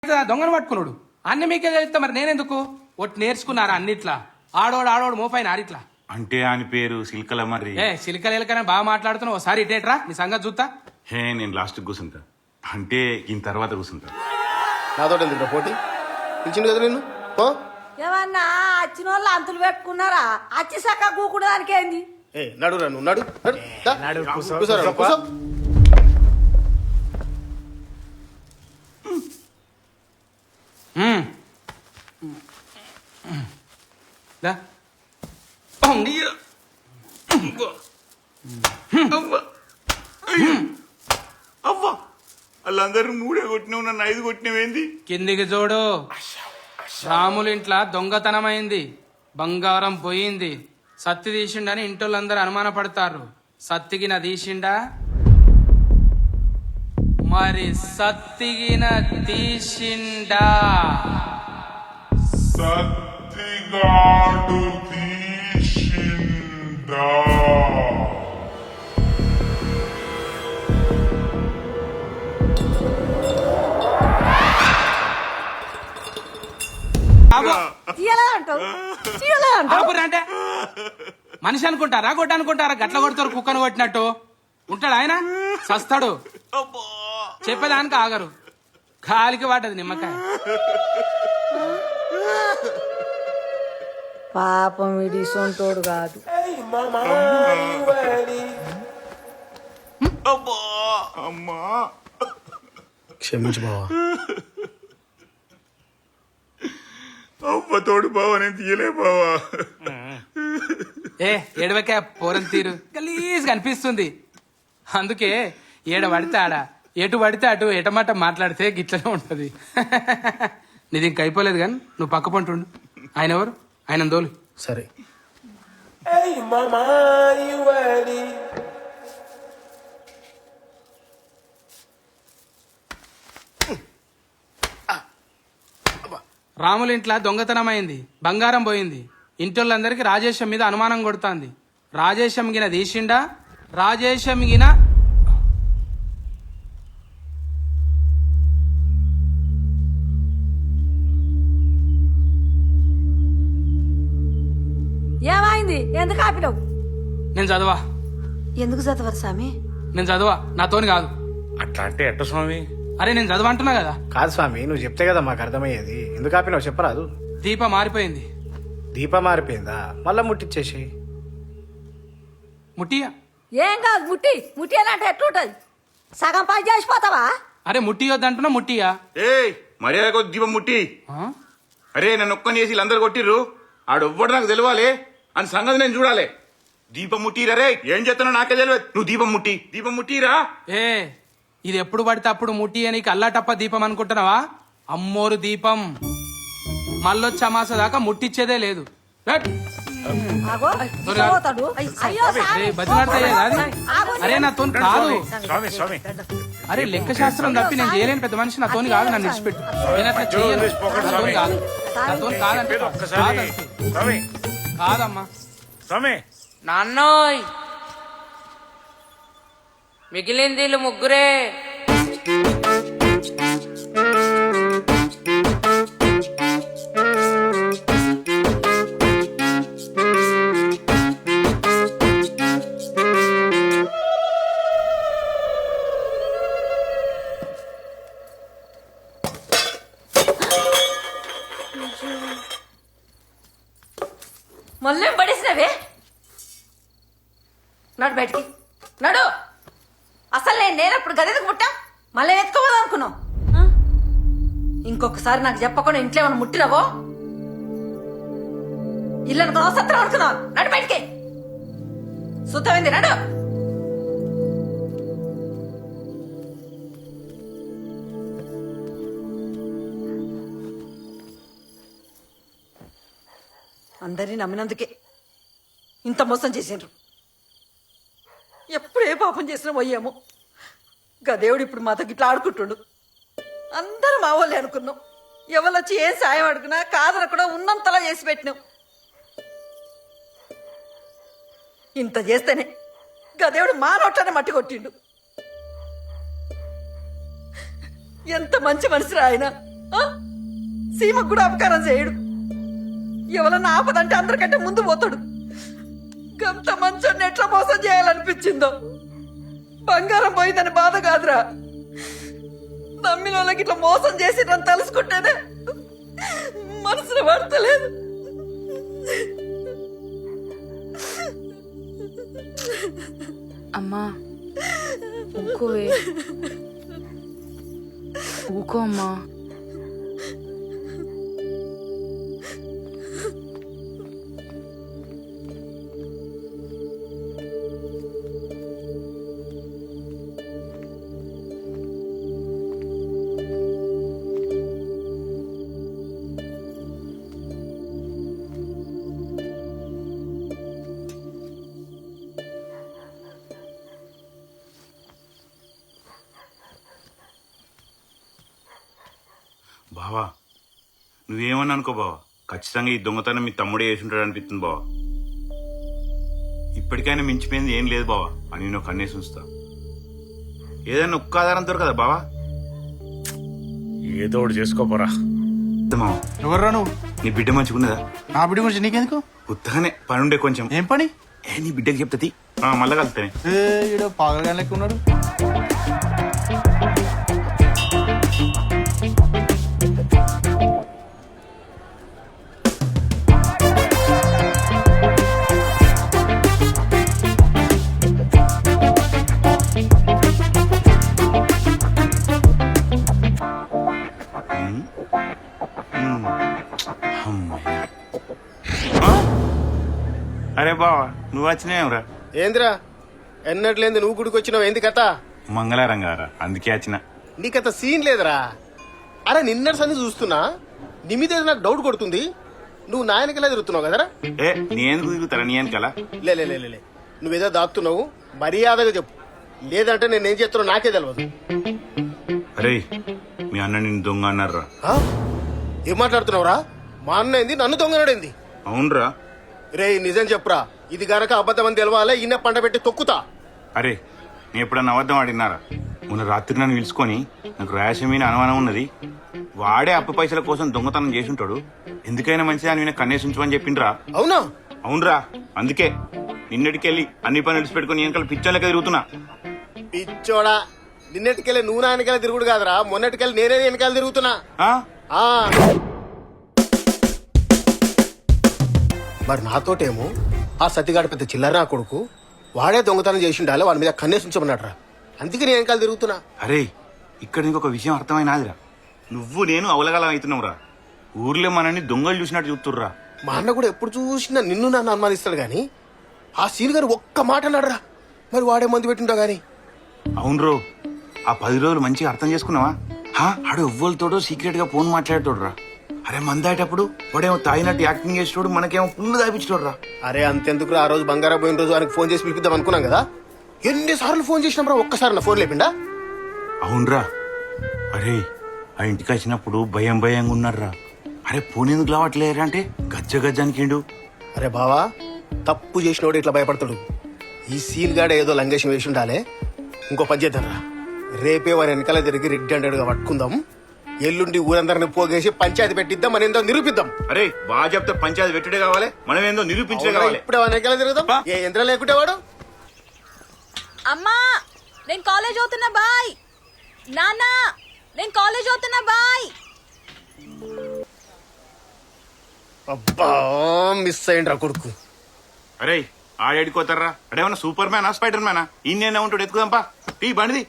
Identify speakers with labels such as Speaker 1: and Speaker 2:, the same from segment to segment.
Speaker 1: దొంగను పట్టుకున్నాడు అన్ని మీకే తెలుస్తా మరి నేనెందుకు ఒట్టి నేర్చుకున్నారా అన్నిట్లా ఆడోడు మోపైన ఆడిట్లా
Speaker 2: అంటే అని పేరు సిల్కల మరి
Speaker 1: సిలికలు ఎలకనే బాగా మాట్లాడుతున్నావు ఒకసారి ఇటేట్రా నీ సంగతి చూస్తా.
Speaker 2: నేను లాస్ట్ కూర్చుంటా అంటే ఈయన తర్వాత కూర్చుంటా.
Speaker 3: నాతో ఎందుకు పోటీ పిలిచింది కదా నిన్ను పో.
Speaker 4: ఏమన్నా వచ్చిన వాళ్ళు అంతులు పెట్టుకున్నారా అచ్చి సక్క కూకుడు దానికి ఏంది?
Speaker 3: నడురా నువ్వు నడు నడు కూర్చోరా, కూర్చో.
Speaker 1: దా.
Speaker 2: అవ్వా వాళ్ళందరూ మూడే కొట్టినావు, నన్ను 5 కొట్టినవేంది?
Speaker 1: కిందికి చూడు. రాములింట్ల దొంగతనమైంది, బంగారం పోయింది, సత్తి తీసిండని ఇంటోళ్ళందరూ అనుమానపడతారు. సత్తిగిన తీసిండా? మరి సత్తిగిన తీసిండా?
Speaker 5: సత్తిగాడు తీసిండా?
Speaker 1: అంటే మనిషి అనుకుంటారా గొడ్డ అనుకుంటారా? గట్ల కొడతారు కుక్కను కొట్టినట్టు ఉంటాడు ఆయన, సస్తాడు. చెప్పేదానికి ఆగరు, కాలికి వాటది నిమ్మకాయ.
Speaker 4: పాపం ఇది సొంతోడు కాదు.
Speaker 2: అమ్మా
Speaker 3: క్షమించు బావా.
Speaker 2: అవ్వ తోడు బావా, నేను తీయలే బావా.
Speaker 1: ఏడవకే పోరం తీరు గలీజ్ కనిపిస్తుంది. అందుకే ఏడ పడితే ఆడ, ఎటు పడితే అటు ఎటమాట మాట్లాడితే గిట్లనే ఉంటది. నీది ఇంక అయిపోలేదు కానీ నువ్వు పక్క పంటుండు. ఆయన ఎవరు? ఆయన దోలు.
Speaker 3: సరే
Speaker 1: రాములింట్ల దొంగతనమైంది, బంగారం పోయింది, ఇంటోళ్ళందరికీ రాజేశం మీద అనుమానం కొడుతుంది. రాజేశం గిన తీసిండా? రాజేశం గిన
Speaker 4: ఏమైంది? ఎందుకు ఆపినావు?
Speaker 1: నేను చదవా.
Speaker 4: ఎందుకు చదవరు స్వామి?
Speaker 1: నేను చదవా, నాతోని కాదు.
Speaker 2: అట్లా అంటే ఎట్ట స్వామి?
Speaker 1: అరే నేను చదవ అంటున్నా కదా.
Speaker 3: కాదు స్వామి, నువ్వు చెప్తే కదా మాకు అర్థమయ్యేది. ఎందుకు ఆపినావు చెప్పరాదు.
Speaker 1: దీప మారిపోయింది.
Speaker 3: దీప మారిపోయిందా? మళ్ళా ముట్టిచ్చేసి
Speaker 1: ముట్టియా?
Speaker 4: ఏం కాదు, ముట్టి అని అంటే ఎట్లుంటది? సగం పని చేసిపోతావా?
Speaker 1: అరే ముట్టియొద్దంటున్నా, ముట్టియా?
Speaker 2: మర్యాద కొద్ది దీపం ముట్టి. అరే నన్ను ఒక్కని చేసి వీళ్ళందరూ కొట్టిర్రు, ఆడొవ్వడు నాకు తెలవాలి అని సంగతి నేను చూడాలి. దీపం ముట్టిరా రే, ఏం చేస్తున్నా నాకే తెలియదు. నువ్వు దీపం ముట్టిరా.
Speaker 1: ఇది ఎప్పుడు పడితే అప్పుడు ముట్టి నీకు అల్లాటప్ప దీపం అనుకుంటున్నావా? అమ్మోరు దీపం. మళ్ళొచ్చి అమాస దాకా ముట్టించేదే లేదు. అరే నాతోని కాదు. అరే లెక్క శాస్త్రం తప్పి నేను చేయలేని పెద్ద మనిషి. నాతోని కాదు, నన్ను విడిచిపెట్టు. నేను అట్లా చేయను. నాతోని కాదు, నాతోని కాదంటే కాదమ్మా.
Speaker 6: నాన్నోయ్ మిగిలింది వీళ్ళు ముగ్గురే.
Speaker 4: మళ్ళీ పడేసినవే. నడు బయటికి నడు. అసలు నేనప్పుడు గదికి పుట్టా, మళ్ళీ ఎత్తుకోవద్దు అనుకున్నావు. ఇంకొకసారి నాకు చెప్పకుండా ఇంట్లో ఏమైనా ముట్టినవో ఇల్లు అనుకున్నావు, సత్రం అనుకున్నావు. నడు బయటికి. సుత్తమైంది నడు. అందరినీ నమ్మినందుకే ఇంత మోసం చేసిండ్రు. ఎప్పుడు ఏ పాపం చేసినా పోయాము. గదేవుడు ఇప్పుడు మాతో గిట్లా ఆడుకుంటుండు. అందరం మా వాళ్ళే అనుకున్నాం. ఎవరొచ్చి ఏం సాయం అడుగునా కాదనకుండా ఉన్నంతలా చేసి పెట్టినాం. ఇంత చేస్తేనే గదేవుడు మా నోట్లోనే మట్టి కొట్టిండు. ఎంత మంచి మనిషిరా ఆయన. ఆ? సీమకు కూడా అపకారం చేయడు. ఎవరన్నా ఆపదంటే అందరికంటే ముందు పోతాడు. గంత మంచోన్ని ఎట్లా మోసం చేయాలనిపించిందో. బంగారం పోయిందని బాధ కాదురా, నమ్మిన వాళ్ళకి ఇట్లా మోసం చేసిరని తెలుసుకుంటేనే మనసులో పడతలేదు.
Speaker 5: అమ్మా ఊకోవే, ఊకో అమ్మా.
Speaker 2: బావా నువ్వేమన్నా అనుకో బావా, ఖచ్చితంగా ఈ దొంగతనం మీ తమ్ముడే చేసి ఉంటాడు అనిపిస్తుంది బావా. ఇప్పటికైనా మించిపోయింది ఏం లేదు బావా అని నేను కన్నేసి ఉంచుతా. ఏదైనా ఒక్క ఆధారం దొరకదా బావా?
Speaker 7: ఏదో ఒకటి చేసుకోపోరా.
Speaker 2: మావా
Speaker 8: ఎవర్రా నువ్వు?
Speaker 2: నీ బిడ్డ మంచిగున్నదా?
Speaker 8: నా బిడ్డ గురించి నీకెందుకు?
Speaker 2: ఉత్తగానే పనుండే కొంచెం.
Speaker 8: ఏం పని?
Speaker 2: నీ బిడ్డకి చెప్తుంది మళ్ళా కలుతానే.
Speaker 8: ఈడ పాగలగా లెక్క ఉన్నాడు.
Speaker 2: అరే బావా నువ్వు వచ్చినావురా?
Speaker 3: ఏందిరా ఎన్నట్లేంది నువ్వు గుడికి వచ్చినావు? ఏంది కథ?
Speaker 2: మంగళారం గారా అందుకే వచ్చిన.
Speaker 3: నీకత సీన్ లేదురా. అరే నిన్నటి సంది చూస్తున్నా, నీ మీద ఏదో నాకు డౌట్ కొడుతుంది. నువ్వు నా వెనకలా తిరుగుతున్నావు కదరా?
Speaker 2: నీ ఎందుకు తిరుగుతారా? నీ వెనకాల
Speaker 3: లే లే లే లే, నువ్వేదో దాక్కుతున్నావు. మర్యాదగా చెప్పు, లేదంటే నేనేం చేస్తున్నా నాకే తెలియదు.
Speaker 2: అరే మీ అన్న నిన్ను దొంగ అన్నారా?
Speaker 3: ఆ? ఏం మాట్లాడుతున్నావురా? మా అన్న ఏంది నన్ను దొంగనాడేంది?
Speaker 2: అవునరా.
Speaker 3: రే నిజం చెప్పురా, ఇది గనక అబద్ధం అని తెలవాలే ఇన్న పంట పెట్టి తొక్కుతా.
Speaker 2: అరే నేను ఎప్పుడన్నా అబద్ధం ఆడినారా? మొన్న రాత్రి నన్ను పిలుచుకొని నాకు ర్యాష్ మీద అనుమానం ఉన్నది, వాడే అప్పు పైసల కోసం దొంగతనం చేసి ఉంటాడు, ఎందుకైనా మంచిది అని కన్నేసి ఉంచమని చెప్పిండ్రా.
Speaker 3: అవునా?
Speaker 2: అవునరా, అందుకే నిన్నటికెళ్ళి అన్ని పనులు విడిచిపెట్టుకుని వెనకాల పిచ్చోళ్ళకే తిరుగుతున్నా.
Speaker 3: పిచ్చోడా, నిన్నటికెళ్ళి నువ్వు నా వెనకాల తిరుగుడు కాదురా, మొన్నటికెళ్ళి నేనే వెనకాల తిరుగుతున్నా.
Speaker 2: ఆ?
Speaker 3: ఆ. మరి నాతోటేమో ఆ సతిగాడు పెద్ద చిల్లర నా కొడుకు, వాడే దొంగతనం చేసి ఉండాలి, వాడి మీద కన్నేసి ఉంచమన్నాడు రా, అందుకే నేను వెనకాల తిరుగుతున్నా.
Speaker 2: అరే ఇక్కడ నీకు ఒక విషయం అర్థమైనాదిరా, నువ్వు నేను అవలగలం అవుతున్నావురా. ఊర్లో మనల్ని దొంగలు చూసినట్టు చూస్తుర్రా.
Speaker 3: మా అన్న కూడా ఎప్పుడు చూసినా నిన్ను నన్ను అనుమానిస్తాడు గాని ఆ సీన్ గారు ఒక్క మాట అన్నాడురా, మరి వాడే మందు పెట్టింటా గాని.
Speaker 2: అవునరో, ఆ 10 రోజులు మంచిగా అర్థం చేసుకున్నావా? ఆడు ఎవ్వరితోడో సీక్రెట్ గా ఫోన్ మాట్లాడేటోడురా. అరే మందాటప్పుడు వాడేమో తాగినట్టు యాక్టింగ్ చేసేటోడు, మనకేమో పుల్లు తాపించోడురా.
Speaker 3: అరే అంతెందుకు, ఆ రోజు బంగారం పోయిన రోజు ఆయనకు ఫోన్ చేసి పిలిపిద్దాం అనుకున్నాం కదా, ఎన్నిసార్లు ఫోన్ చేసినాం రా, ఒక్కసారి నా ఫోన్ లేపిండా?
Speaker 2: అవునరా. అరే ఆ ఇంటికి వచ్చినప్పుడు భయం భయంగా ఉన్నారా. అరే ఫోన్ ఎందుకు లావట్లేరా అంటే గజ్జ గజ్జానికిండు.
Speaker 3: అరే బావా, తప్పు చేసినోడు ఇట్లా భయపడతాడు. ఈ సీన్ గాడ ఏదో లంగేషం వేసి ఉండాలి. ఇంకో పని చేద్దాం రా, రేపే వారి వెనకాల తిరిగి రెడ్ హండ్రెడ్ గా పట్టుకుందాం, ఎల్లుండి ఊరందరిని పోగేసి పంచాయతీ పెట్టిద్దాం, మన ఏందో నిరూపిద్దాం.
Speaker 2: అరే బాగా చెప్తే పంచాయతీ పెట్టుడే కావాలి, మనం ఏందో నిరూపించడే కావాలి.
Speaker 3: ఇప్పుడే వారి వెనకాల తిరుగుదాం, ఏ యంత్రం లేకుంటే వాడు.
Speaker 5: అమ్మా నేను కాలేజ్ అవుతున్నా బాయ్. నాన్న నేను కాలేజ్ అవుతున్నా బాయ్.
Speaker 3: అబ్బా మిస్ అయ్యిండ్రా కొడుకు.
Speaker 2: అరే ఆడేడుకోతారా? అడేమన్నా సూపర్ మ్యానా స్పైడర్ మ్యానా? ఇన్నేనా ఉంటాడు, ఎత్తుకుదాంపా టీ బండిది.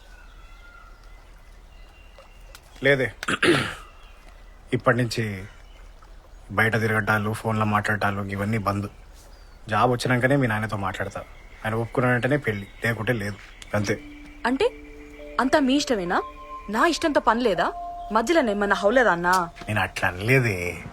Speaker 7: లేదే, ఇప్పటి నుంచి బయట తిరగటాలు, ఫోన్లో మాట్లాడటాలు ఇవన్నీ బంద్. జాబ్ వచ్చినాకనే మీ నాయనతో మాట్లాడతా. ఆయన ఒప్పుకున్నానంటేనే పెళ్లి, లేకుంటే లేదు, అంతే.
Speaker 5: అంటే అంతా మీ ఇష్టమేనా? నా ఇష్టంతో పని లేదా? మధ్యలో ఏమన్నా హౌలేదా అన్నా?
Speaker 7: నేను అట్లా అనలేదే.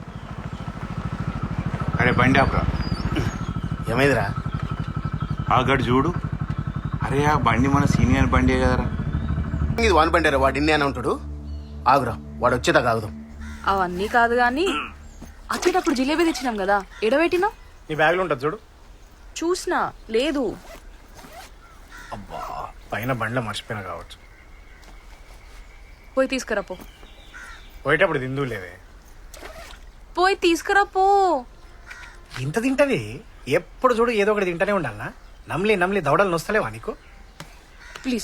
Speaker 2: అరే బండి ఆపరా.
Speaker 3: ఏమైందిరా?
Speaker 2: ఆ గడు చూడు. అరే ఆ బండి మన సీనియర్ బండి కదరా.
Speaker 3: ఇది వాన్ బండారా, వాడు ఇన్ని అని ఉంటాడు. ఆగురా, వాడు వచ్చేదాకా ఆగుదాం.
Speaker 5: అవన్నీ కాదు గాని వచ్చేటప్పుడు జిలేబీ తెచ్చినాం కదా, ఎడబెట్టినా?
Speaker 7: నీ బ్యాగ్లో ఉంటుంది చూడు.
Speaker 5: చూసినా లేదు.
Speaker 7: అబ్బా పైన బండ్లో మర్చిపోయినా కావచ్చు.
Speaker 5: పోయి తీసుకురా పో.
Speaker 7: పోయేటప్పుడు తిందు లేదే.
Speaker 5: పోయి తీసుకురా పో.
Speaker 7: ఇంత తింటది ఎప్పుడు చూడు ఏదో ఒకటి తింటూనే ఉండాలనా? నమ్లి నమ్లి దవడలు నొస్తలేవా నీకు?